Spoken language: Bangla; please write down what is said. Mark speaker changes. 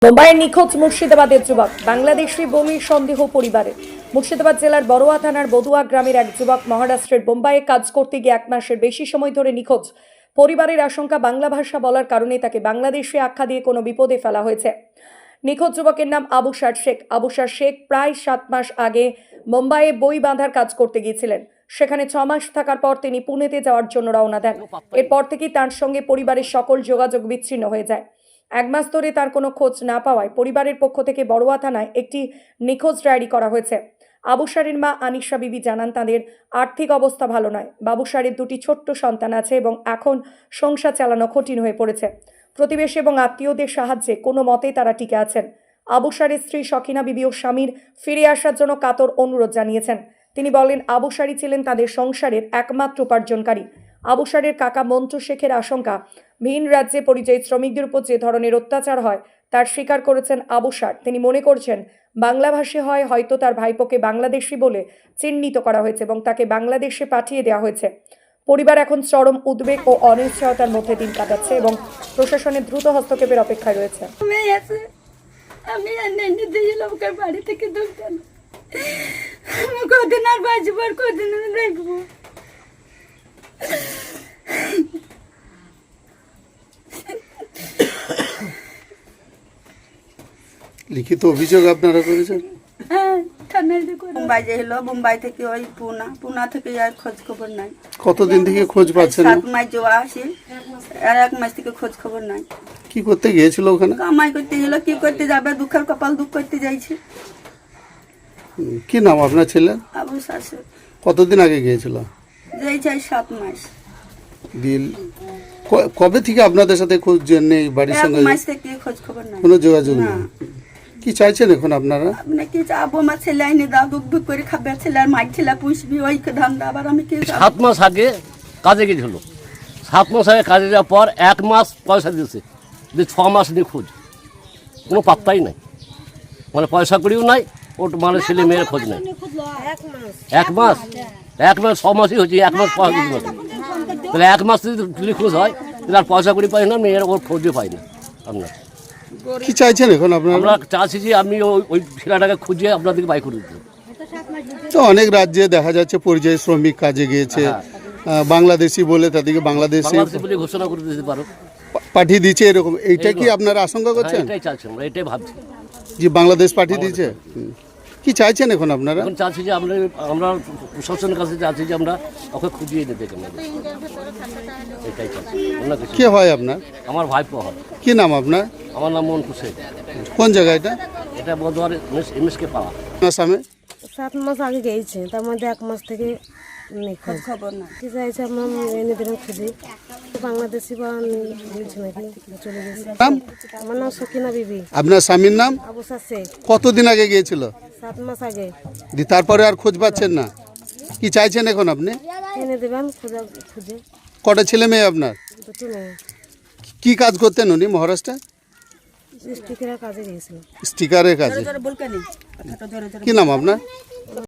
Speaker 1: মুম্বাইয়ের নিখোঁজ মুর্শিদাবাদের যুবক বাংলাদেশি বমির সন্দেহ পরিবারে। মুর্শিদাবাদ জেলার বড়ুয়া থানার বদুয়া গ্রামের এক যুবক মহারাষ্ট্রের বোম্বাইয়ে কাজ করতে গিয়ে 1 মাসের বেশি সময় ধরে নিখোঁজ। পরিবারের আশঙ্কা বাংলা ভাষা বলার কারণে তাকে বাংলাদেশে আখ্যা দিয়ে কোনো বিপদে ফেলা হয়েছে। নিখোঁজ যুবকের নাম আবুসার শেখ। আবুসার শেখ প্রায় 7 মাস আগে মুম্বাইয়ে বই বাঁধার কাজ করতে গিয়েছিলেন। সেখানে 6 মাস থাকার পর তিনি পুনেতে যাওয়ার জন্য রওনা দেন। এরপর থেকেই তার সঙ্গে পরিবারের সকল যোগাযোগ বিচ্ছিন্ন হয়ে যায়। 1 মাস ধরে তার কোনো খোঁজ না পাওয়ায় পরিবারের পক্ষ থেকে বড়ুয়া থানায় একটি নিখোঁজ ডায়েরি করা হয়েছে। আবুসারের মা আনিশা বিবি জানান, তাদের আর্থিক অবস্থা ভালো নয়। বাবুসারের 2টি ছোট্ট সন্তান আছে এবং এখন সংসার চালানো কঠিন হয়ে পড়েছে। প্রতিবেশী এবং আত্মীয়দের সাহায্যে কোনো মতেই তারা টিকে আছেন। আবুসারের স্ত্রী সখিনা বিবি ও স্বামীর ফিরে আসার জন্য কাতর অনুরোধ জানিয়েছেন। তিনি বলেন, আবুসারি ছিলেন তাদের সংসারের একমাত্র উপার্জনকারী। আবুসারের কাকা মন্টু শেখের আশঙ্কা, ভিন রাজ্যে পরিযায়ী শ্রমিকদের উপর যে ধরনের অত্যাচার হয় তার স্বীকার করেছেন আবুসার। তিনি মনে করছেন বাংলাভাষী হয় হয়তো তার ভাইপোকে বাংলাদেশি বলে চিহ্নিত করা হয়েছে এবং তাকে বাংলাদেশে পাঠিয়ে দেওয়া হয়েছে। পরিবার এখন চরম উদ্বেগ ও অনিশ্চয়তার মধ্যে দিন কাটাচ্ছে এবং প্রশাসনের দ্রুত হস্তক্ষেপের অপেক্ষায় রয়েছে।
Speaker 2: আমি লোকের বাড়ি থেকে ঢুকতাম, আমি কদিন আর বাঁচবো আর কদিন দেখবো।
Speaker 3: লিখিত অভিযোগ আপনারা করেছেন?
Speaker 2: হ্যাঁ, থানায় মুম্বাই যে হলো, মুম্বাই থেকে ওই পুনা থেকে আর খোঁজ খবর নাই।
Speaker 3: কতদিন থেকে খোঁজ পাচ্ছেন?
Speaker 2: 7 মাস যাওয়া আসি, আর 1 মাস থেকে খোঁজ খবর নাই।
Speaker 3: কি করতে গিয়েছিল ওখানে?
Speaker 2: কামাই করতে গেল, কি করতে যাবে, দুঃখের কপাল দুঃখ করতে যাইছে।
Speaker 3: কি নাম আপনার ছেলে?
Speaker 2: আবু শাশু।
Speaker 3: কতদিন আগে গিয়েছিল?
Speaker 2: যাইছে 7 মাস।
Speaker 3: দিল কবে থেকে আপনাদের সাথে খোঁজ নেই? বাড়ির
Speaker 2: 1
Speaker 3: সঙ্গে
Speaker 2: মাস থেকে খোঁজ খবর নাই,
Speaker 3: কোনো যোগাযোগ নেই। কি চাইছেন এখন আপনারা?
Speaker 2: আপনি কি চাবো? আমার ছেলে আইনে দাও, দুঃখ দুঃখ করে খাবে, ছেলে আর মাইক ছেলে পুষবি, ওই ধান্দা। আবার আমি কি
Speaker 4: 7 মাস আগে কাজে গেছিল, 7 মাস আগে কাজে যাওয়ার পর 1 মাস পয়সা দিয়েছে, 6 মাস নিখোঁজ, কোনো পাত্তাই নাই। মানে পয়সা করিও নাই, ওর মানে ছেলে মেয়ের খোঁজ নেই। 1 মাস 6 মাসই হচ্ছে, 1 মাস পয়সা দিতে পারে। তাহলে 1 মাস যদি নিখোঁজ হয় তাহলে আর পয়সা করি পাই না, মেয়ের ওর খোঁজও পাই না। আপনার
Speaker 3: কি চাইছেন এখন আপনারা?
Speaker 4: আমরা চাচ্ছি যে আমি ওই ছেলেটাকে খুঁজে আপনাদেরকে বাই করে দিতে।
Speaker 3: তো অনেক রাজ্যে দেখা যাচ্ছে পরিযায়ী শ্রমিক কাজে গিয়েছে, বাংলাদেশি বলে তাদেরকে বাংলাদেশে
Speaker 4: বলে ঘোষণা করে দিতে পারো,
Speaker 3: পাঠিয়ে দিচ্ছে, এরকম। এইটা কি আপনারা আশঙ্কা করছেন?
Speaker 4: এটাই চাচ্ছি আমরা, এটাই ভাবছি
Speaker 3: যে বাংলাদেশ পাঠিয়ে দিয়েছে। কি চাইছেন এখন আপনারা?
Speaker 4: এখন চাচ্ছি যে আমরা প্রশাসনের কাছে চাচ্ছি যে আমরা ওকে খুঁজিয়ে দিতে চাই, এটাই চাচ্ছি।
Speaker 3: কে হয় আপনার?
Speaker 4: আমার ভাইপো হয়।
Speaker 3: কি নাম আপনার?
Speaker 4: আমার নাম মন্টু শেখ।
Speaker 3: কোন জায়গা এটা?
Speaker 4: এটা বদুয়ার এমএসকে পাড়া।
Speaker 3: আপনার স্বামী
Speaker 5: 7 মাস আগে গিয়েছে, তার মধ্যে 1 মাস থেকে খোঁজ খবর না। কি চাইছে আমরা এনে দিলাম খুঁজে, বাংলাদেশি বা বলছে নাকি চলে গেছে। আমার নাম সখিনা বিবি।
Speaker 3: আপনার স্বামীর নাম?
Speaker 5: আবুসার শেখ।
Speaker 3: কতদিন আগে গিয়েছিল?
Speaker 5: 7 মাস আগে।
Speaker 3: তারপরে আর খোঁজ পাচ্ছেন না? কি চাইছেন এখন আপনি?
Speaker 5: এনে দেবেন খুঁজে।
Speaker 3: কটা ছেলে মেয়ে আপনার?
Speaker 5: 2টি মেয়ে।
Speaker 3: কি কাজ করতেন উনি মহারাষ্ট্রে?
Speaker 5: স্টিকারের কাজে গিয়েছিল।
Speaker 3: স্টিকারের কাজে। কি নাম আপনার?